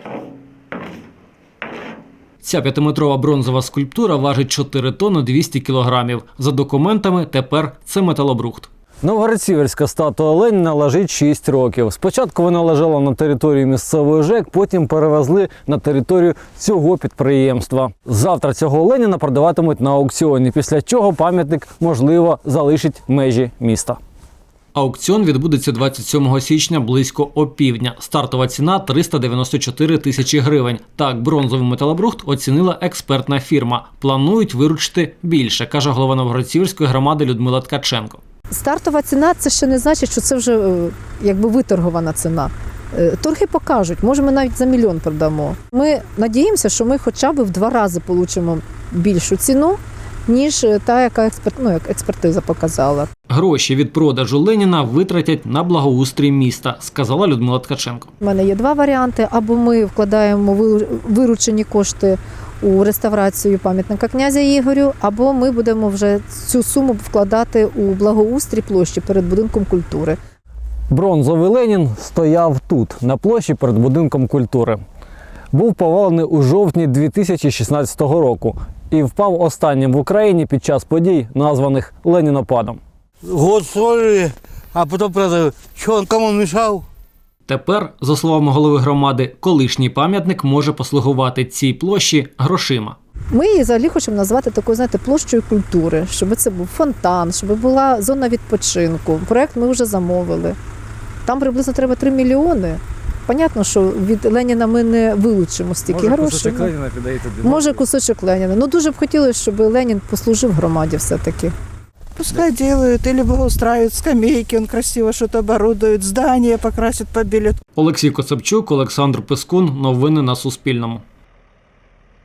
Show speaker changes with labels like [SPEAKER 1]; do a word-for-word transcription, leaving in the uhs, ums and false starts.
[SPEAKER 1] Ця п'ятиметрова бронзова скульптура важить чотири тонни двісті кілограмів. За документами тепер це металобрухт.
[SPEAKER 2] Новгород-Сіверська статуя Леніна лежить шість років. Спочатку вона лежала на території місцевої ЖЕК, потім перевезли на територію цього підприємства. Завтра цього Леніна продаватимуть на аукціоні, після чого пам'ятник, можливо, залишить межі міста.
[SPEAKER 1] Аукціон відбудеться двадцять сьомого січня близько опівдня. Стартова ціна – триста дев'яносто чотири тисячі гривень. Так, бронзовий металобрухт оцінила експертна фірма. Планують виручити більше, каже голова Новгород-Сіверської громади Людмила Ткаченко.
[SPEAKER 3] Стартова ціна – це ще не значить, що це вже якби виторгована ціна. Торги покажуть, може ми навіть за мільйон продамо. Ми надіємося, що ми хоча б в два рази отримаємо більшу ціну, ніж та, яка експерт, ну, як експертиза показала.
[SPEAKER 1] Гроші від продажу Леніна витратять на благоустрій міста, сказала Людмила Ткаченко.
[SPEAKER 3] У мене є два варіанти. Або ми вкладаємо виручені кошти у реставрацію пам'ятника князя Ігорю, або ми будемо вже цю суму вкладати у благоустрій площі перед будинком культури.
[SPEAKER 2] Бронзовий Ленін стояв тут, на площі перед будинком культури. Був повалений у жовтні дві тисячі шістнадцятого року і впав останнім в Україні під час подій, названих Ленінопадом.
[SPEAKER 4] Год строили, а потім продали. Що він кому мішав?
[SPEAKER 1] Тепер, за словами голови громади, колишній пам'ятник може послугувати цій площі грошима.
[SPEAKER 3] Ми її взагалі хочемо назвати такою, знаєте, площею культури, щоб це був фонтан, щоб була зона відпочинку. Проєкт ми вже замовили. Там приблизно треба три мільйони. Понятно, що від Леніна ми не вилучимо стільки грошей. Може, кусочок
[SPEAKER 2] Леніна піде тобі?
[SPEAKER 3] Може, кусочок Леніна. Ну, дуже б хотілося, щоб Ленін послужив громаді все-таки.
[SPEAKER 5] Пускай делают или благоустраивают скамейки, он красиво что-то оборудует, здания покрасят, побелят.
[SPEAKER 1] Олексій Коцепчук, Олександр Пискун. Новини на Суспільному.